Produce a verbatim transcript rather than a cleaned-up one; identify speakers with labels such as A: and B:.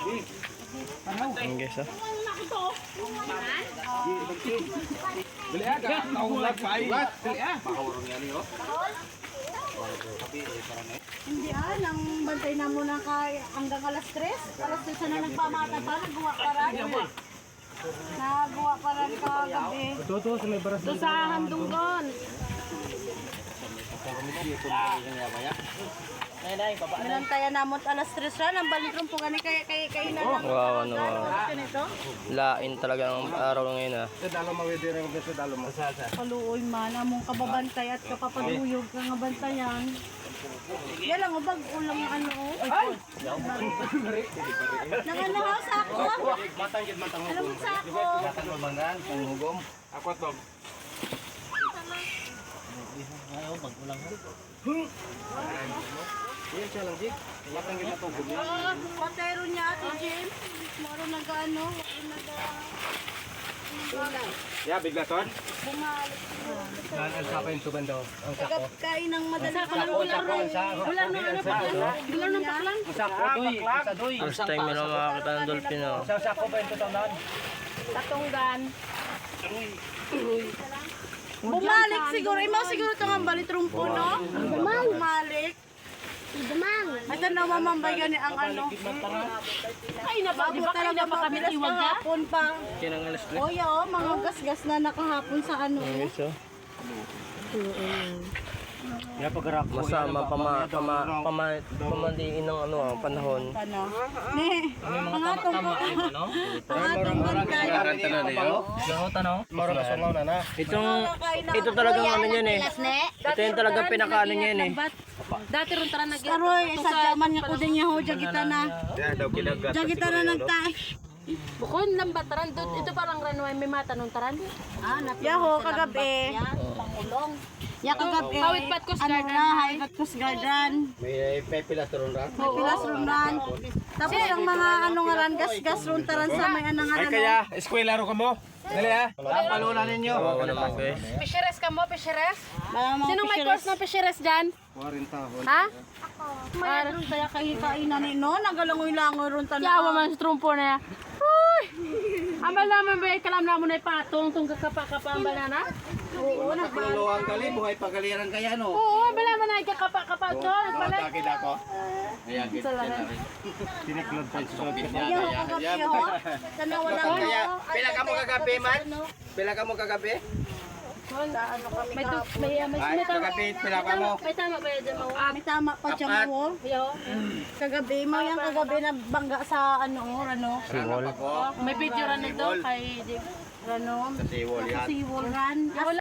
A: Ang guys ah.
B: Beli aga, tahu lagi. Beli ah.
C: Hindi ah, nang bantay na muna kay hanggang alas tres. Alas tres na nagpamata pa, nagawa pa rin. Nagawa pa rin kagabi.
B: Tutu sa may baras.
C: Ito sa Handunggon. Minantayan namot alas tres na, nang balik rin po gani kay kay kay na lang.
A: Wow, ano.
C: Ganito.
A: Lain talaga ng araw ngayon ah.
B: Sa dalo mawidi rin sa dalo mo.
C: Paluoy man among kababantay at kapapaduyog ka nga bantayan. Yan lang ubag ulang ano. Ay. Nanganahaw sa ako.
B: Matang gid matang.
C: Alam mo sa ako.
B: Matang mabangan, panghugom. Ako to. Yan siya lang, Jik. Matang gid matang hugom.
C: Ah, patero niya ati Jim. Maro nag-ano, nag
B: Ya, biglaton.
C: bumalik.
B: Nan ang sapa yung suban daw. Ang sako.
C: Kain ng madalas
B: Sako, sako, sako.
C: Wala na ano pa lang. Wala ng paklan.
B: Ang sako, doy, sa doy.
A: First time nila makakita ng dolphin ah.
B: Sa sako ba yung tutanan?
C: Katunggan. Bumalik siguro. Imaw siguro ito nga balit rumpo, no? Bumalik. Dumang. Ito na mamambayan ni ang ano. Ay na pa, di ba kayo na pa kami iwag hapon pa.
A: Kinang alas tres.
C: O oh, mga gasgas na nakahapon sa ano.
A: Ang guys ah.
B: Ya pagrak
A: Masama pama pama pama pamaliin ng ano ah, panahon.
C: Ano? Ni, ang atong ko. Ang atong bantay.
B: tanan niyo. Ganun tanong. Maro na sungaw na na.
A: Itong ito talagang ano niyan eh. Ito yung talagang pinakaano niyan eh.
C: Dati ron tara nag Aroy, sa jaman nga ko din niya ho, jagita na.
B: Ya daw kilagat.
C: Jagita na nagtay.
D: Bukon lambat taran dut ito parang ranway may mata nung taran.
C: Ah, yaho kagabi.
D: Pangulong.
C: Ya kagabi.
D: Hawit pat Coast
C: Ano
D: Guard
C: na, hawit pat Coast Guardan.
B: May pepilas ron ra.
C: May pilas ron ran. Tapos ang mga ano nga ran gas-gas ron taran sa may anang
B: Ay
C: ano.
B: kaya, eskwela ro kamo. Dali ah. Tapalunan ninyo.
A: Oo naman guys.
D: Fisheries ka mo, fisheries?
C: Mga mga
D: Sino may course ng fisheries dyan?
B: forty tahon.
D: Ha?
C: Para ron kaya kay kainan ni no, nagalangoy-langoy ron tanan.
D: Yawa man sa trumpo na. Uy! Ambal naman ba kalam na mo na ipatong tong kakapa-kapa ambal na na?
C: Oo, nagbalik.
B: Luwang kali buhay pagaliran kaya no.
D: Oo, ambal naman na kakapa-kapa to. Nagbalik.
B: Takid ako. Ayan, gid na rin. Tiniklod pa sa
C: Yaho kagabi ho. Tanaw lang
B: Kaya,
C: ho.
B: pila ka mo kagabi man? Pila ka mo kagabi?
C: Ano kami
D: May tu-
C: kahapon.
D: may may
B: Ay,
D: may tama.
B: kagabi, pila ka mo?
D: May tama ba yan mo?
C: May tama pa siya
B: Apat.
C: mo.
D: Yo.
C: Kagabi mo yung kagabi na bangga sa ano, ano.
A: Siwol.
D: May video ran nito kay
C: Ano,
B: Sa siwol yan.
C: siwol ran.